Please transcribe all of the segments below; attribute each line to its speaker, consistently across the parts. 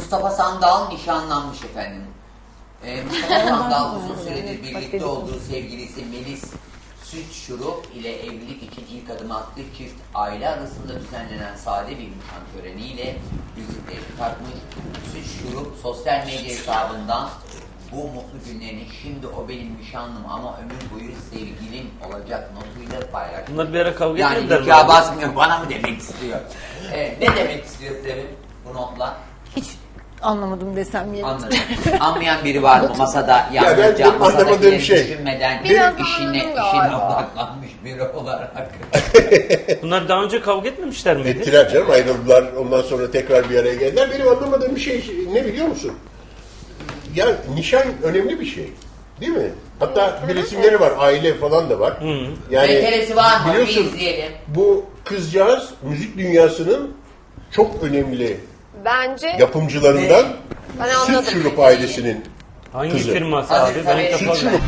Speaker 1: Mustafa Sandal nişanlanmış efendim. Mustafa Sandal uzun süredir birlikte olduğu sevgilisi Melis Süt Şurup ile evlilik için ilk adım attığı çift aile arasında düzenlenen sade bir nişan töreniyle yüzüklerini takmış. Süt Şurup sosyal medya hesabından bu mutlu günlerini şimdi o benim nişanlım ama ömür boyu sevgilim olacak notuyla paylaşmış.
Speaker 2: Bunlar bir ara kavga
Speaker 1: yani
Speaker 2: etmediler mi?
Speaker 1: nikah basmıyor, bana mı demek istiyor? Ne demek istiyor Sevim bu notla?
Speaker 3: Hiç anlamadım desem yeri.
Speaker 1: Anladım. Anlayan biri var mı masada?
Speaker 4: Ya ben anlamadığım şey.
Speaker 1: Düşünmeden
Speaker 3: Biraz
Speaker 1: işine
Speaker 3: anladım
Speaker 1: odaklanmış biri olarak.
Speaker 2: Bunlar daha önce kavga etmemişler miydi?
Speaker 4: Ettiler canım, ayrıldılar, ondan sonra tekrar bir araya geldiler. Benim anlamadığım bir şey ne biliyor musun? Ya nişan önemli bir şey. Değil mi? Hatta bir resimleri var, aile falan da var. Yani
Speaker 1: Meselesi var mı? Bir
Speaker 4: biliyorsun,
Speaker 1: izleyelim.
Speaker 4: bu kızcağız müzik dünyasının çok önemli
Speaker 5: Bence
Speaker 4: yapımcılarından
Speaker 5: Ben
Speaker 4: Süt
Speaker 5: anladım.
Speaker 4: Şurup ailesinin
Speaker 2: Hangi
Speaker 4: kızı.
Speaker 2: firması
Speaker 1: Hadi
Speaker 2: abi? Ben ilk
Speaker 1: tabii.
Speaker 2: defa
Speaker 4: Süt Şurup.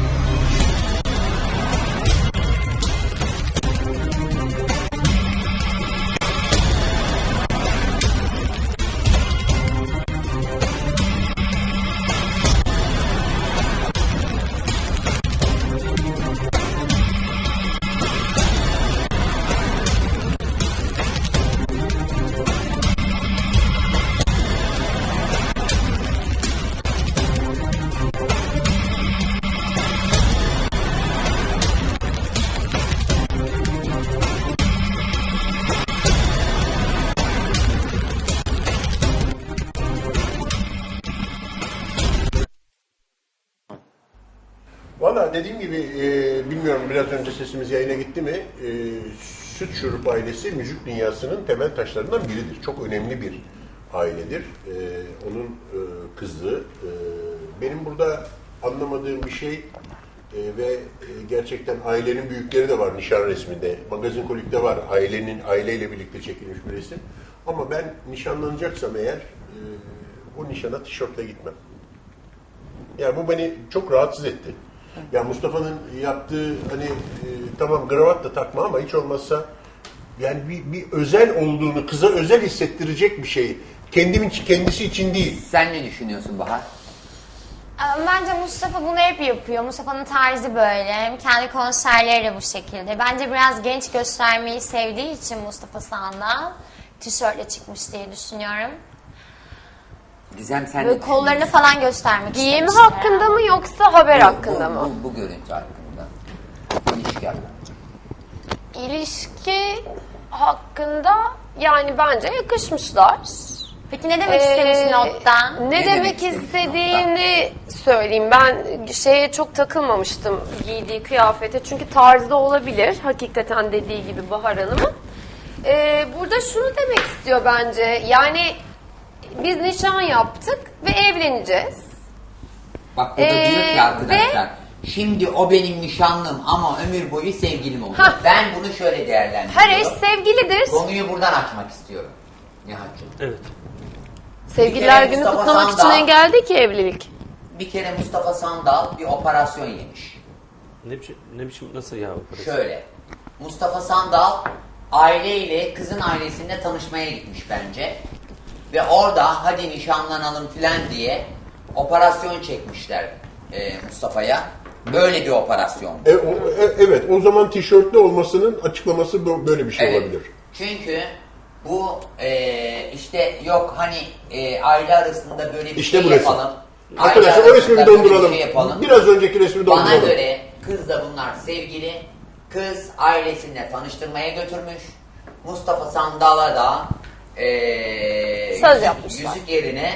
Speaker 4: Valla dediğim gibi bilmiyorum biraz önce sesimiz yayına gitti mi? Süt Şurup ailesi müzik dünyasının temel taşlarından biridir. Çok önemli bir ailedir. Onun kızı. Benim burada anlamadığım bir şey ve gerçekten ailenin büyükleri de var nişan resminde. Magazin Kolik'te var. Aileyle birlikte çekilmiş bir resim. Ama ben nişanlanacaksam eğer o nişana tişörtle gitmem. Yani bu beni çok rahatsız etti. Ya Mustafa'nın yaptığı hani tamam kravat da takma ama hiç olmazsa yani bir özel olduğunu, kıza özel hissettirecek bir şey. Kendisi için değil.
Speaker 1: Sen ne düşünüyorsun Bahar?
Speaker 6: Bence Mustafa bunu hep yapıyor. Mustafa'nın tarzı böyle. Hem kendi konserleri de bu şekilde. Bence biraz genç göstermeyi sevdiği için Mustafa Sandal tişörtle çıkmış diye düşünüyorum.
Speaker 1: Gizem sen
Speaker 6: Böyle
Speaker 1: ne
Speaker 6: kollarını
Speaker 1: düşünüyorsun?
Speaker 6: falan göstermek
Speaker 5: giyim
Speaker 6: istemişler.
Speaker 5: hakkında mı yoksa haber hakkında mı?
Speaker 1: Bu görüntü hakkında. İlişki hakkında.
Speaker 5: İlişki hakkında yani bence yakışmışlar.
Speaker 6: Peki ne demek istemiş nottan?
Speaker 5: Ne demek istediğini söyleyeyim. Ben şeye çok takılmamıştım giydiği kıyafete. Çünkü tarzda olabilir. Hakikaten dediği gibi Bahar Hanım'ın. Burada şunu demek istiyor bence. Yani biz nişan yaptık ve evleneceğiz.
Speaker 1: Bak burada diyor ki arkadaşlar. Şimdi o benim nişanlım ama ömür boyu sevgilim olacak. Ben bunu şöyle değerlendiriyorum.
Speaker 5: Her eş sevgilidir.
Speaker 1: Konuyu buradan açmak istiyorum. Nihat'cığım.
Speaker 2: Evet.
Speaker 5: Sevgililer
Speaker 1: Bir kere
Speaker 5: günü
Speaker 1: Mustafa
Speaker 5: kutlamak için
Speaker 1: Sandal-
Speaker 5: engel değil ki evlilik.
Speaker 1: Bir kere Mustafa Sandal bir operasyon yemiş.
Speaker 2: Ne biçim nasıl ya?
Speaker 1: Şöyle. Mustafa Sandal aileyle kızın ailesinde tanışmaya gitmiş bence. Ve orada hadi nişanlanalım filan diye operasyon çekmişler Mustafa'ya. Böyle bir operasyon.
Speaker 4: Evet, o zaman tişörtlü olmasının açıklaması böyle bir şey olabilir.
Speaker 1: Çünkü bu işte yok hani aile arasında böyle bir
Speaker 4: İşte
Speaker 1: şey
Speaker 4: bu resim.
Speaker 1: yapalım.
Speaker 4: Arkadaşlar
Speaker 1: Aile
Speaker 4: o resmi bir
Speaker 1: arasında böyle
Speaker 4: donduralım.
Speaker 1: şey yapalım.
Speaker 4: Biraz önceki resmi
Speaker 1: Bana
Speaker 4: donduralım.
Speaker 1: göre kızla bunlar sevgili. Kız ailesine tanıştırmaya götürmüş. Mustafa Sandal'a da
Speaker 5: Söz yapmışlar.
Speaker 1: yüzük yerine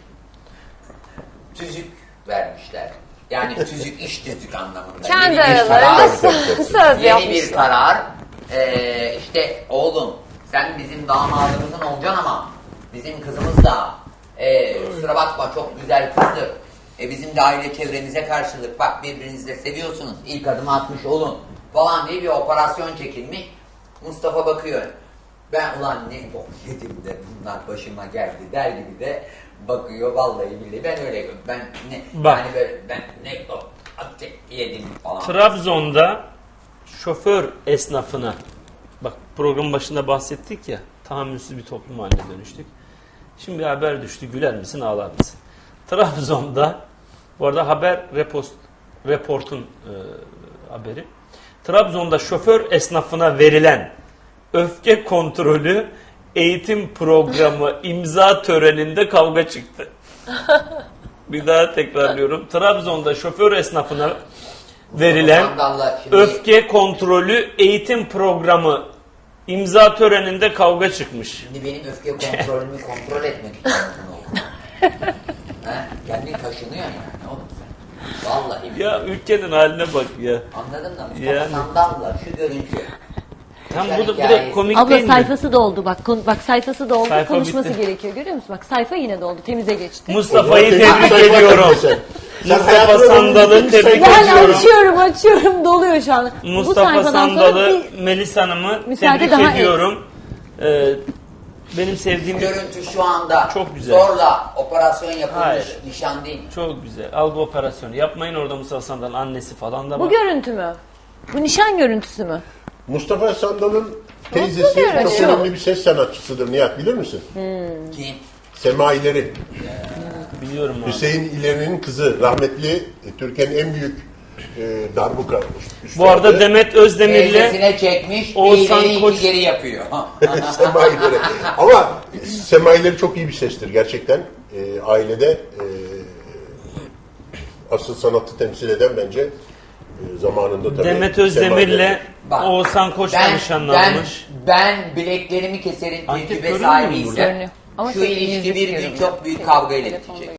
Speaker 1: tüzük vermişler. Yani tüzük iş tüzük anlamında.
Speaker 5: Kendi
Speaker 1: Yeni bir
Speaker 5: aralarında
Speaker 1: karar.
Speaker 5: söz
Speaker 1: Yeni bir
Speaker 5: yapmışlar.
Speaker 1: karar. İşte oğlum sen bizim damadımızın olacaksın ama bizim kızımız da kusura bakma çok güzel kızdır. Bizim de aile çevremize karşılık bak birbirinizi de seviyorsunuz. İlk adımı atmış olun falan diye bir operasyon çekilmiş. Mustafa bakıyor. Ben ulan ne bok yedim de bunlar başıma geldi der gibi de bakıyor vallahi billahi ben öyle görüyorum. Ben ne
Speaker 2: Bak.
Speaker 1: yani böyle ben ne bok yedim falan.
Speaker 2: Trabzon'da şoför esnafına, bak programın başında bahsettik ya, tahammülsüz bir toplum haline dönüştük. Şimdi bir haber düştü. Güler misin, ağlar mısın? Trabzon'da, bu arada haber reportun haberi. Trabzon'da şoför esnafına verilen öfke kontrolü eğitim programı imza töreninde kavga çıktı. Bir daha tekrarlıyorum. Trabzon'da şoför esnafına verilen
Speaker 1: Skandalla şimdi-
Speaker 2: öfke kontrolü eğitim programı imza töreninde kavga çıkmış.
Speaker 1: Şimdi benim öfke kontrolümü kontrol etmek için bunu okudum. Kendin kaşınıyor yani oğlum sen. Vallahi.
Speaker 2: Ya ülkenin haline bak ya.
Speaker 1: Anladın mı? Mustafa
Speaker 2: Yani.
Speaker 1: Sandal'la şu görüntü.
Speaker 2: Tam
Speaker 1: Yaşar
Speaker 2: bu da
Speaker 1: hikayesi.
Speaker 2: komik
Speaker 3: Abla
Speaker 2: değil mi?
Speaker 3: sayfası doldu bak. Bak sayfası doldu.
Speaker 2: Sayfa
Speaker 3: Konuşması
Speaker 2: bitti.
Speaker 3: gerekiyor. Görüyor musun? Bak sayfa yine doldu. Temize geçti.
Speaker 2: Mustafa'yı
Speaker 4: O zaman
Speaker 2: tebrik
Speaker 4: sayfa
Speaker 2: ediyorum.
Speaker 4: sen. Sen
Speaker 2: Mustafa
Speaker 4: hayatına
Speaker 2: Sandal'ı
Speaker 4: dönüştün,
Speaker 2: tebrik
Speaker 4: sayfa-
Speaker 3: Yani
Speaker 2: ediyorum.
Speaker 3: açıyorum doluyor şu an. Bu
Speaker 2: Mustafa
Speaker 3: sayfadan sonra
Speaker 2: Sandal'ı,
Speaker 3: bir
Speaker 2: Melis Hanım'ı
Speaker 3: müsaade
Speaker 2: tebrik
Speaker 3: daha
Speaker 2: ediyorum. Benim sevdiğim
Speaker 1: Görüntü şu anda
Speaker 2: Çok güzel.
Speaker 1: zorla operasyon yapılmış
Speaker 2: Hayır.
Speaker 1: nişan değil mi?
Speaker 2: çok güzel. Algı operasyonu. Yapmayın orada Mustafa Sandal'ın annesi falan da
Speaker 3: bu
Speaker 2: var.
Speaker 3: görüntü mü? Bu nişan görüntüsü mü?
Speaker 4: Mustafa Sandal'ın teyzesi
Speaker 3: görünüyor.
Speaker 4: çok önemli bir ses sanatçısıdır Nihat, bilir misin?
Speaker 1: Kim?
Speaker 4: Sema İleri.
Speaker 2: Biliyorum abi.
Speaker 4: Hüseyin İleri'nin kızı, rahmetli Türkiye'nin en büyük darbuka üstadı.
Speaker 2: Bu arada Demet Özdemir'le
Speaker 1: Teyzesine çekmiş,
Speaker 2: Oğuzhan
Speaker 1: bir ileri
Speaker 2: Koç-
Speaker 1: iki geri yapıyor.
Speaker 4: Sema İleri. Ama Sema İleri çok iyi bir sestir gerçekten. Ailede asıl sanatı temsil eden bence zamanında tabii.
Speaker 2: Demet
Speaker 4: Sema
Speaker 2: Özdemir'le
Speaker 4: İleri.
Speaker 1: Bak,
Speaker 2: Oğuzhan Koç'la nişanlanmış.
Speaker 1: ben bileklerimi keserin
Speaker 2: Anket
Speaker 1: tecrübe
Speaker 2: görünmüyor mu burada?
Speaker 1: sahibiysem
Speaker 3: Görünüyor. Ama
Speaker 1: şu
Speaker 3: çok
Speaker 1: ilişki
Speaker 3: yüzük
Speaker 1: bir gün
Speaker 3: görünüyor.
Speaker 1: çok büyük kavga ile
Speaker 3: Telefonda
Speaker 1: bitecek.